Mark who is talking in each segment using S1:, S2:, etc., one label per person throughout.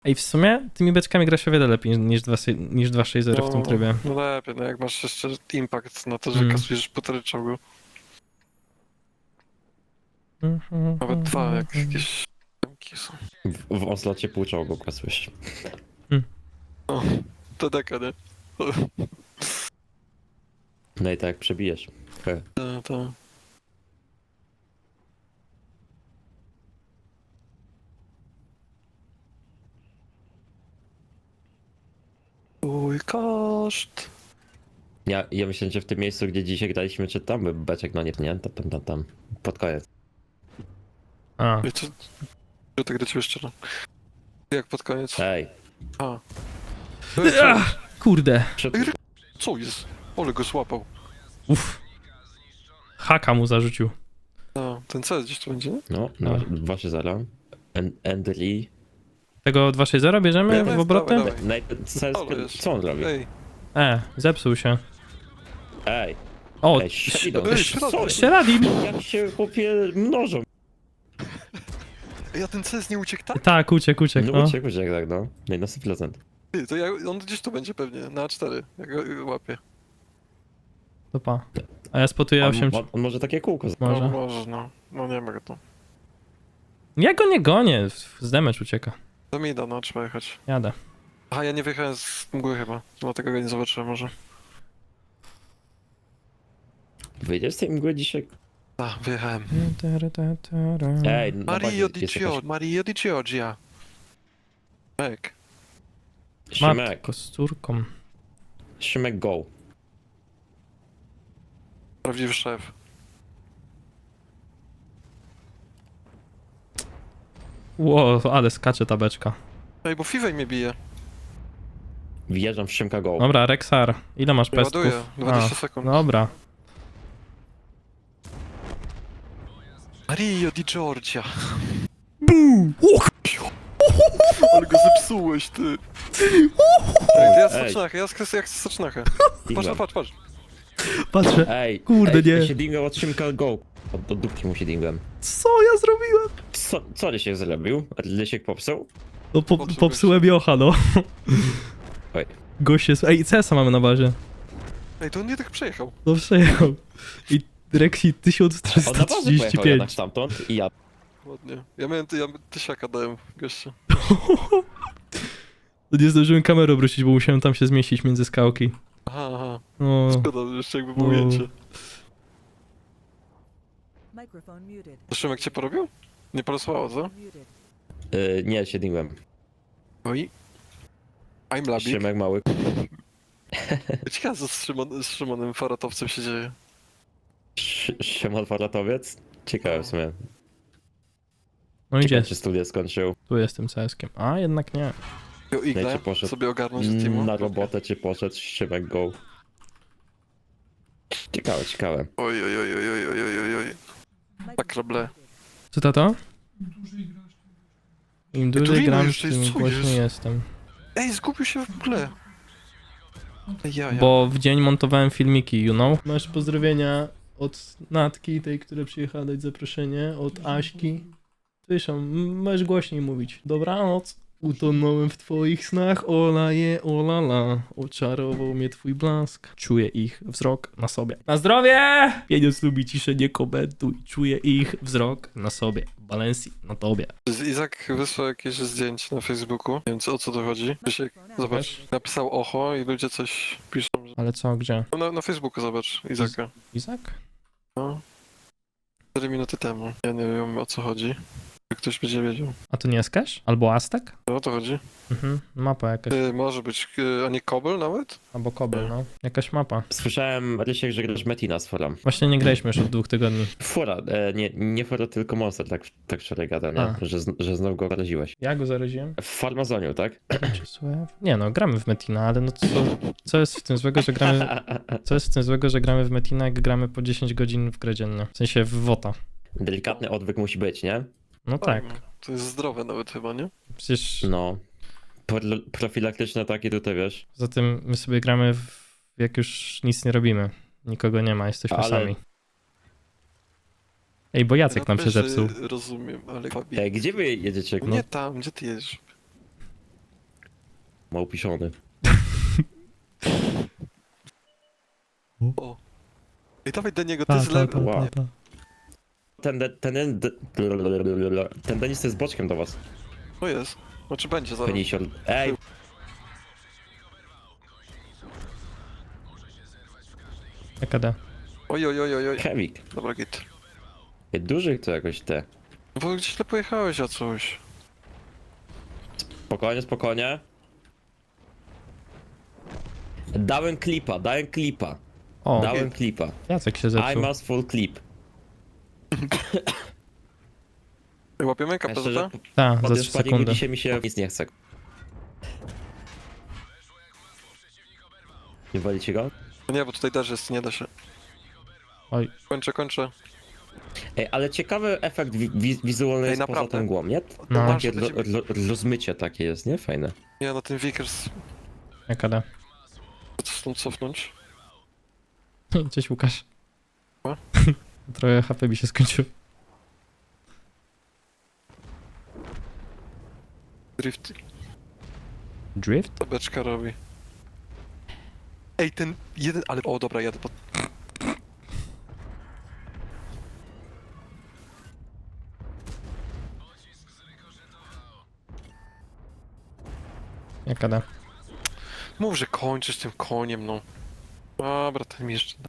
S1: Ej, w sumie tymi beczkami gra się o wiele lepiej niż 2.6.0 w tym trybie.
S2: No lepiej, no jak masz jeszcze impact na to, że kasujesz półtorej czołgu. Nawet dwa, jak jakieś tamki są.
S3: W Oslocie pół czołgu kasujesz.
S2: O, to deka, nie?
S3: No i tak przebijesz. He.
S2: To. Uj, koszt.
S3: Ja myślę, że w tym miejscu, gdzie dzisiaj graliśmy, czy tam by beczek, no nie, tam. Pod koniec.
S1: A,
S2: Wiecie, że tak do ciebie szczerze. Jak pod koniec?
S3: Ej,
S2: A.
S1: kurde.
S3: przed...
S2: Co jest? Ole go złapał.
S1: Uff. Haka mu zarzucił.
S2: A, ten CS gdzieś tu będzie, nie?
S3: No, 2-0. Endry.
S1: Tego 2.6.0 bierzemy
S2: Nie,
S1: w obroty?
S2: dawaj.
S3: No co on robi?
S2: Ej,
S1: Zepsuł się.
S3: Ej,
S1: O,
S3: ej, Shadow,
S2: ej,
S3: co?
S1: Sheradim!
S3: Jak się chłopie mnożą.
S2: ja ten CS nie uciekł tak?
S1: Tak, uciekł,
S3: No
S1: no.
S3: uciekł, tak, no. No i na 100%.
S2: Ty, to on gdzieś tu będzie pewnie, na A4, jak go łapię.
S1: To pa. A ja spotuję 8...
S3: On może takie kółko
S1: Może.
S2: No, może, no. No nie mogę tu.
S1: Ja go nie gonię, z damage ucieka.
S2: To mi da, no, trzeba jechać.
S1: Jadę.
S2: Aha, ja nie wyjechałem z mgły chyba, dlatego go nie zobaczyłem może.
S3: Wyjdziesz z tej mgły dzisiaj?
S2: A, wyjechałem.
S3: Ej, na
S2: Mario
S3: bazie
S2: di
S3: jest jakaś...
S2: Mario di Giorgia. Mek.
S3: Szymek,
S1: Kosturką.
S3: Szymek go.
S2: Prawdziwy szef.
S1: Ło, ale skacze ta beczka.
S2: Ej, bo Fiwej mnie bije.
S3: Wjeżdżam w Szymka go.
S1: Dobra, Rexar, ile masz
S2: Ja
S1: pestków?
S2: ładuję, 20 sekund.
S1: Dobra.
S2: Mario di Giorgia.
S1: Buu!
S2: Ale go zepsułeś, ty. Ej, to ja
S3: Ej.
S2: stocznachę, ja chcę stocznachę.
S3: Dingam.
S2: Patrz.
S1: Patrzę.
S3: Ej,
S1: Kurde,
S3: ej,
S1: nie.
S3: Ja się dingam od Szymka go. Od dupki mu się dingłem.
S1: Co ja zrobiłem?
S3: Co Rysiek zrobił? Rysiek popsuł?
S1: No
S2: Popsuł
S1: popsułem Jocha, no.
S3: Oj.
S1: Gość jest... Ej, CS-a mamy na bazie.
S2: Ej, to on nie tak przejechał.
S1: No przejechał. I Rexi
S3: On na bazę pojechał
S1: 1335.
S3: jednak stamtąd i ja...
S2: Ładnie. Ja tysiaka dałem gościu.
S1: To nie zdążyłem kamerę obrócić, bo musiałem tam się zmieścić między skałki.
S2: Aha.
S1: No.
S2: Szkoda, jeszcze jakby było
S1: No.
S2: ujęcie.
S4: Microphone muted.
S2: To Szymek cię porobił? Nie porosłało, co?
S4: Muted.
S3: nie, się dingłem.
S2: Oj. I'm Labik.
S3: Szymek mały.
S2: Ciekawe, co z Szymonem Faratowcem się dzieje.
S3: Szymon Faratowiec? Ciekawe w sumie.
S1: No idzie.
S3: Ciekawe, czy studia skończył.
S1: Tu jestem CS-kiem. A, jednak nie.
S2: Jo, Igle
S3: Wiecie, poszedł
S2: sobie ogarnął z teamu.
S3: na robotę, czy poszedł Szymek go. Ciekawe.
S2: Oj. Tak, roble.
S1: Co tato? Im dłużej
S2: Turino
S1: gram,
S2: jeszcze jest,
S1: tym
S2: co
S1: głośniej
S2: jest?
S1: jestem.
S2: Ej, zgubił się w ogóle. Ja.
S1: Bo w dzień montowałem filmiki, you know? Masz pozdrowienia od Natki, tej, która przyjechała dać zaproszenie, od Aśki. Słyszę, możesz głośniej mówić. Dobranoc. Utonąłem w twoich snach, ola je, ola la. Oczarował mnie twój blask. Czuję ich wzrok na sobie. Na zdrowie! Pieniądz lubi ciszę, nie komentuj. Czuję ich wzrok na sobie. Balenci na tobie.
S2: Izak wysłał jakieś zdjęcie na Facebooku. Nie wiem, o co to chodzi. Krzysiek, zobacz. Napisał oho i ludzie coś piszą. Że...
S1: Ale co, gdzie?
S2: No, na Facebooku zobacz, Izaka.
S1: Izak?
S2: No. 4 minuty temu. Ja nie wiem, o co chodzi. Ktoś będzie wiedział.
S1: A to nie jest Cash? Albo Aztek?
S2: No, o to chodzi.
S1: Mapa jakaś.
S2: Może być, a nie Kobel nawet?
S1: Albo Kobel, no. Jakaś mapa.
S3: Słyszałem, Rysiek, że grasz Metina z Forem.
S1: Właśnie nie graliśmy już od 2 tygodni.
S3: Fora, nie Fora, tylko Monster, tak wczoraj gadał, nie?
S1: A.
S3: Że znowu go zaraziłeś.
S1: Ja go zaraziłem?
S3: W Farmazoniu, tak?
S1: Nie no, gramy w Metina, ale no co jest w tym złego, że gramy... Co jest w tym złego, że gramy w Metina, jak gramy po 10 godzin w grę dziennie? W sensie w WOTA.
S3: Delikatny odwyk musi być, nie?
S1: No tak.
S2: No, to jest zdrowe nawet chyba, nie?
S1: Przecież
S3: No. Profilaktyczne takie tutaj, wiesz.
S1: za tym my sobie gramy jak już nic nie robimy. Nikogo nie ma, jesteśmy
S3: Ale-
S1: sami. Ej, bo Jacek nam się
S2: też,
S1: zepsuł.
S2: Rozumiem, ale...
S3: Ej, gdzie wy jedziecie?
S2: Nie tam, gdzie ty jedziesz?
S3: Małpiszony.
S2: O. Ej, dawaj do niego, ty z lewy.
S3: Wow. Ten Denis jest boczkiem do was.
S2: O jest. Znaczy będzie zaraz.
S3: Penisior. Ej,
S1: EKD.
S2: Oj, oj, oj, oj, oj.
S3: Kevik.
S2: Dobra, git.
S3: Ej, duży to jakoś te.
S2: No bo gdzieś źle pojechałeś o coś.
S3: Spokojnie, spokojnie. Dałem klipa.
S1: O,
S3: Dałem klipa.
S1: Jacek się
S3: I
S1: zepsuł.
S3: must full clip.
S2: Ej, łapiemy
S3: Ja szczerze,
S2: KPZ?
S1: Tak, za
S3: podjąć
S1: 3
S3: paniku
S1: sekundy.
S3: dzisiaj mi się nic nie chce. Nie walicie go?
S2: No nie, bo tutaj też jest, nie da się.
S1: Oj,
S2: Kończę.
S3: Ej, ale ciekawy efekt wizualny
S2: Ej,
S3: jest poza
S2: naprawdę.
S3: tą mgłą, nie?
S1: No.
S3: Takie rozmycie takie jest, nie? Fajne.
S2: Nie, no ten Vickers...
S1: EKD.
S2: Co stąd cofnąć?
S1: Cześć Łukasz.
S2: O?
S1: Trochę HP mi się skończyło.
S2: Drift.
S1: Drift?
S2: Ta beczka robi. Ej, ten jeden... Ale... O, dobra, jadę pod...
S1: EKD.
S2: Mów, że kończysz tym koniem, no. Dobra, ten mi jeszcze...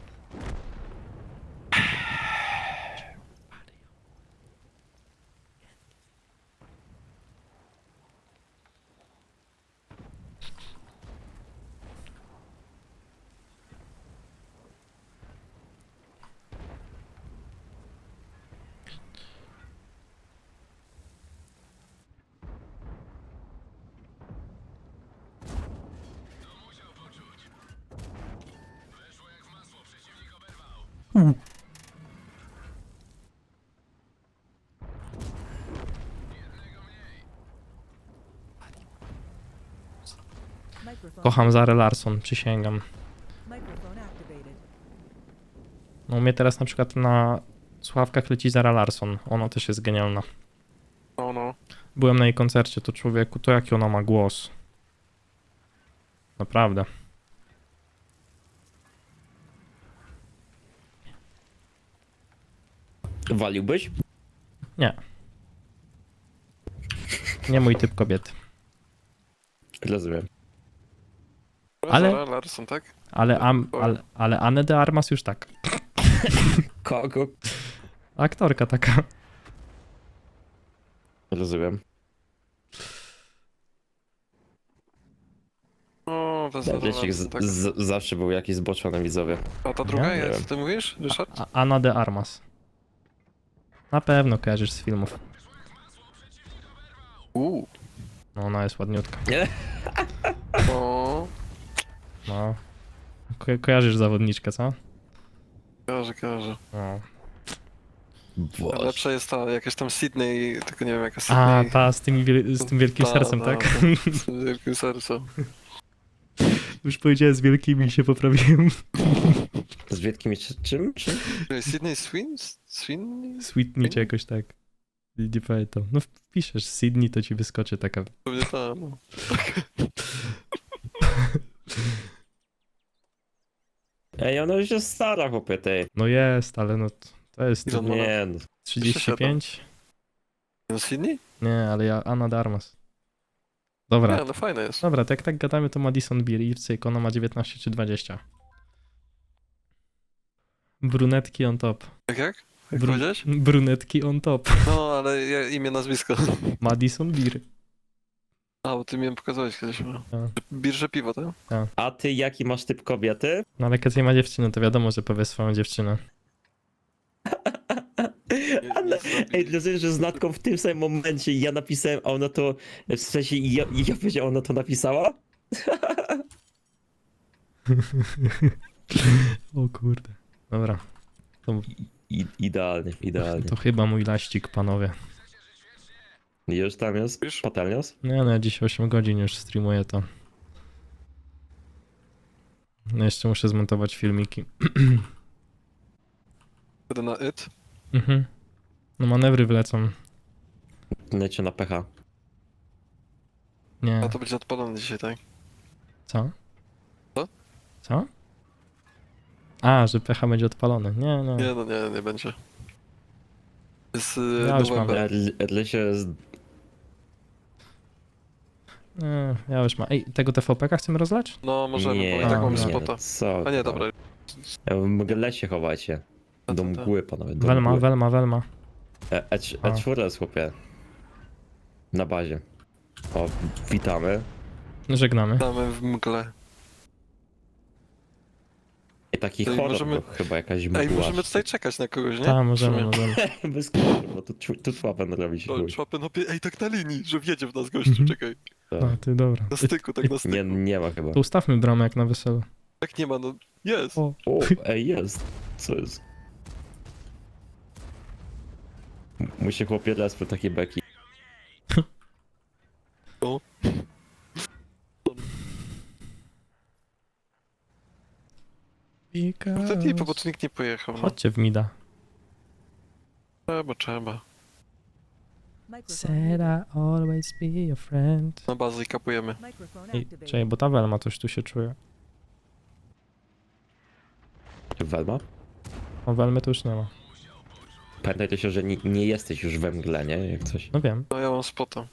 S4: Microphone.
S1: Kocham Zarę Larson, przysięgam.
S4: Microphone activated.
S1: No u mnie teraz na przykład na słuchawkach leci Zara Larson. Ona też jest genialna.
S2: No, no.
S1: Byłem na jej koncercie, to człowieku, to jaki ona ma głos. Naprawdę.
S3: Waliłbyś?
S1: Nie. Nie mój typ kobiety.
S3: Rozumiem.
S1: Ale-
S2: Zara Larson, tak?
S1: Ale Anne de Armas już tak.
S3: Kogo?
S1: Aktorka taka.
S3: Rozumiem.
S2: O, to Zara
S3: Wiecie,
S2: Larson, tak.
S3: zawsze był jakiś zboczony widzowie.
S2: A ta druga
S1: Ja?
S3: Nie
S2: jest,
S3: wiem.
S2: ty mówisz, Ryszard?
S1: Anna de Armas. Na pewno kojarzysz z filmów. No ona jest ładniutka.
S2: O,
S1: No. Kojarzysz zawodniczkę, co?
S2: kojarzę.
S1: No.
S3: Boże.
S2: Lepsza jest ta, jakaś tam Sydney, tylko nie wiem jaka
S1: A,
S2: Sydney.
S1: ta z z tym wielkim
S2: Ta,
S1: sercem,
S2: ta,
S1: tak?
S2: ta, Z wielkim sercem.
S1: Już powiedziałem z wielkimi i się poprawiłem.
S3: Z Wietkim czym?
S2: Ej, Sydney Swin? Swin?
S1: Sweetney czy jakoś tak. Nie pamiętam. No wpiszesz Sydney, to ci wyskoczy taka.
S2: Pewnie ta, no.
S3: Ej, ona już jest stara, chłopie, tej.
S1: No jest, ale no to jest
S2: Ile on ma lat?
S3: Nie, no.
S1: 35?
S2: No Sydney?
S1: Nie, ale ja Anna de Armas.
S2: Nie,
S1: Dobra,
S2: ale fajne jest.
S1: dobra, to jak tak gadamy, to Madison Beer i cyk, ona ma 19 czy 20. Brunetki on top.
S2: Jak? Jak
S1: Bru-
S2: powiedziałeś?
S1: Brunetki on top.
S2: No, ale imię, nazwisko.
S1: Madison Beer.
S2: A, bo ty mi pokazałeś kiedyś. No.
S1: Tak.
S2: Birże piwo, tak?
S3: A ty jaki masz typ kobiety?
S1: No ale Katia ma dziewczynę, to wiadomo, że powie swoją dziewczynę.
S3: Ale, ej, rozumiem, że z Natką w tym samym momencie ja napisałem, a ona to, w sensie ja powiedziałem, ona to napisała?
S1: O kurde. Dobra,
S3: Idealnie.
S1: to chyba mój laścik, panowie.
S3: Już tam jest?
S2: Już?
S3: Patelnios?
S1: No ja dziś 8 godzin już streamuję to. No jeszcze muszę zmontować filmiki.
S2: Wtedy na it.
S1: Mhm. No manewry wlecą.
S3: Lecie na pecha.
S1: Nie.
S2: A to będzie odpalone dzisiaj, tak?
S1: Co?
S2: Co?
S1: Co? A, że PH będzie odpalony. Nie, nie.
S2: Nie, no nie będzie. Jest
S1: Ja już mam.
S2: November.
S3: Lesie jest...
S1: Nie, ja już mam. Ej, tego TVP-ka chcemy rozlać?
S2: No możemy,
S3: Nie,
S2: bo i tak mamy
S1: nie,
S2: spota.
S3: co?
S2: A nie, dobra.
S3: Ja mogę lesie chowacie.
S2: No
S3: Do
S2: to tak.
S3: mgły, panowie. Do
S1: Welma,
S3: mgły.
S1: Welma.
S3: E4 jest, chłopie. Na bazie. O, witamy.
S1: Żegnamy.
S2: Damy w mgle.
S3: I taki
S2: Ej,
S3: horror
S2: możemy-
S3: to chyba jakaś mgła.
S2: Ej, możemy tutaj czekać na kogoś, nie?
S1: Tak,
S2: W
S1: możemy,
S2: sumie.
S1: możemy.
S3: Bez kurwa, bo tu człapę robić.
S2: O,
S3: chuj.
S2: człapy, no ej, tak na linii, że wjedzie w nas gościu,
S1: Mhm.
S2: czekaj.
S1: A, ty, dobra.
S2: Na styku, tak na styku.
S3: Nie ma chyba.
S1: To ustawmy bramę jak na weselu.
S2: Tak nie ma, no jest.
S1: O,
S3: O, ej, jest. Co jest? Musi chłopie raz po takie beki.
S2: O. To nie, bo tu nikt nie pojechał. No.
S1: Chodźcie w Mida.
S2: Trzeba.
S4: Microphone
S1: Said I always be your friend.
S2: Na bazę i kapujemy.
S4: Microphone
S1: Ej,
S4: activated.
S1: czekaj, bo ta Welma coś tu się czuje.
S3: Welma?
S1: O, Welmy tu już nie ma.
S3: Pamiętajcie się, że nie jesteś już we mgle, nie? Jak coś.
S1: No wiem.
S2: No ja mam spota.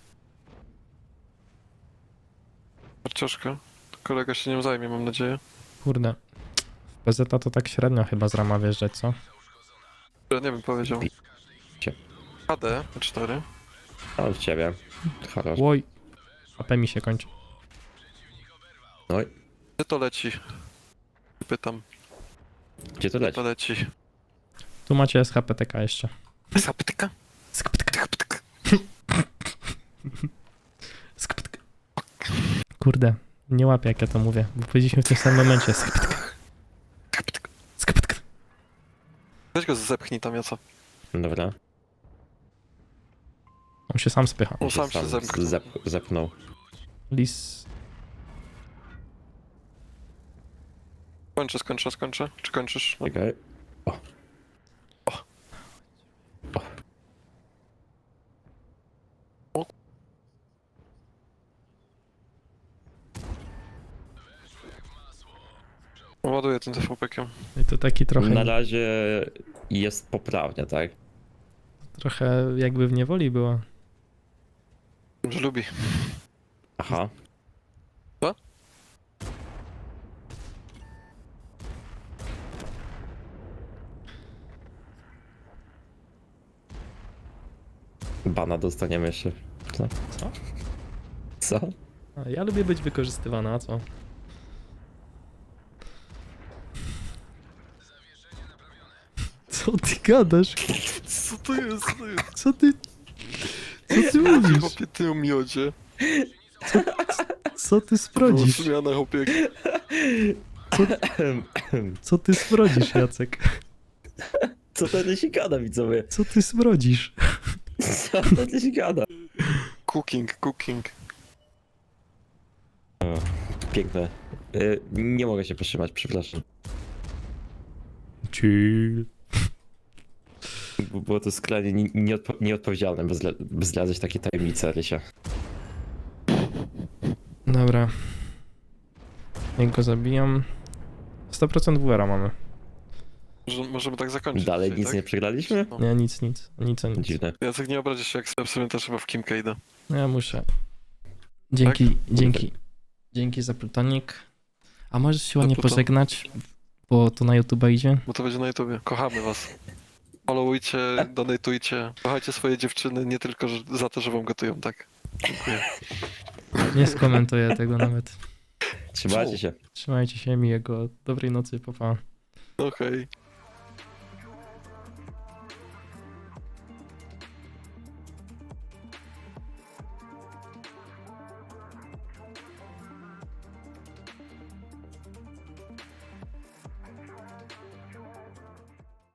S2: Marcioszka. Kolega się nią zajmie, mam nadzieję.
S1: Kurde. W PZ to tak średnio chyba z rama wjeżdżać, co?
S2: Ja nie wiem, powiedział.
S3: Cie.
S2: AD 4.
S3: A od ciebie. Хорош.
S1: Oj. AP mi się kończy.
S3: Oj,
S2: Gdzie to leci? Pytam.
S3: gdzie to
S2: Gdzie
S3: leci?
S2: to leci?
S1: Tu macie SHPTK jeszcze.
S2: Zapytyka?
S1: SHPTK. Kurde. Nie łapię jak ja to mówię, bo powiedzieliśmy w tym samym momencie. SHPTK.
S2: Weź go zepchnij tam, Jaca.
S3: Dobra.
S1: On się sam spycha.
S2: On sam się zemknął.
S3: Zepnął.
S1: Lis.
S2: Skończę. Czy kończysz? No.
S3: Czekaj.
S2: Ładuję tym TVP-kiem.
S1: I to taki trochę,
S3: Na razie jest poprawnie, tak?
S1: trochę jakby w niewoli była.
S2: Że lubi.
S3: Aha.
S2: Co?
S3: Bana dostaniemy jeszcze. Co?
S1: Co?
S3: Co?
S1: A ja lubię być wykorzystywana, a co? Co ty gadasz?
S2: Co to jest?
S1: Co ty... Co ty mówisz?
S2: Chłopie, ty o miodzie.
S1: Co ty sprodzisz?
S2: Zmiana, chłopie.
S1: Co ty sprodzisz, Jacek?
S3: Co ten się gada, widzowie?
S1: Co ty sprodzisz?
S3: Co ten się gada?
S2: Cooking.
S3: O, piękne. Nie mogę się powstrzymać, przepraszam.
S1: Chill.
S3: Było to skrajnie nieodpowiedzialne, by zdradzać takie tajemnice, Rysia.
S1: Dobra. Jak go zabijam... 100% WR mamy.
S2: Możemy tak zakończyć.
S3: Dalej
S2: dzisiaj,
S3: nic
S2: tak?
S3: nie przegraliśmy?
S2: No.
S1: Nie, nic. Nic.
S3: Dziwne.
S2: Jacek, nie obrazisz się, jak sobie też chyba w Kimkę idę.
S1: No ja muszę. Dzięki za plutonik. A możesz się ładnie
S2: Pluton.
S1: pożegnać, bo to na YouTube idzie.
S2: Bo to będzie na YouTubie. Kochamy was. Followujcie, donatujcie. Kochajcie swoje dziewczyny, nie tylko za to, że wam gotują, tak? Dziękuję.
S1: Nie skomentuję tego nawet.
S3: Trzymajcie się.
S1: Trzymajcie się, miłego, dobrej nocy, pa pa.
S2: Okej.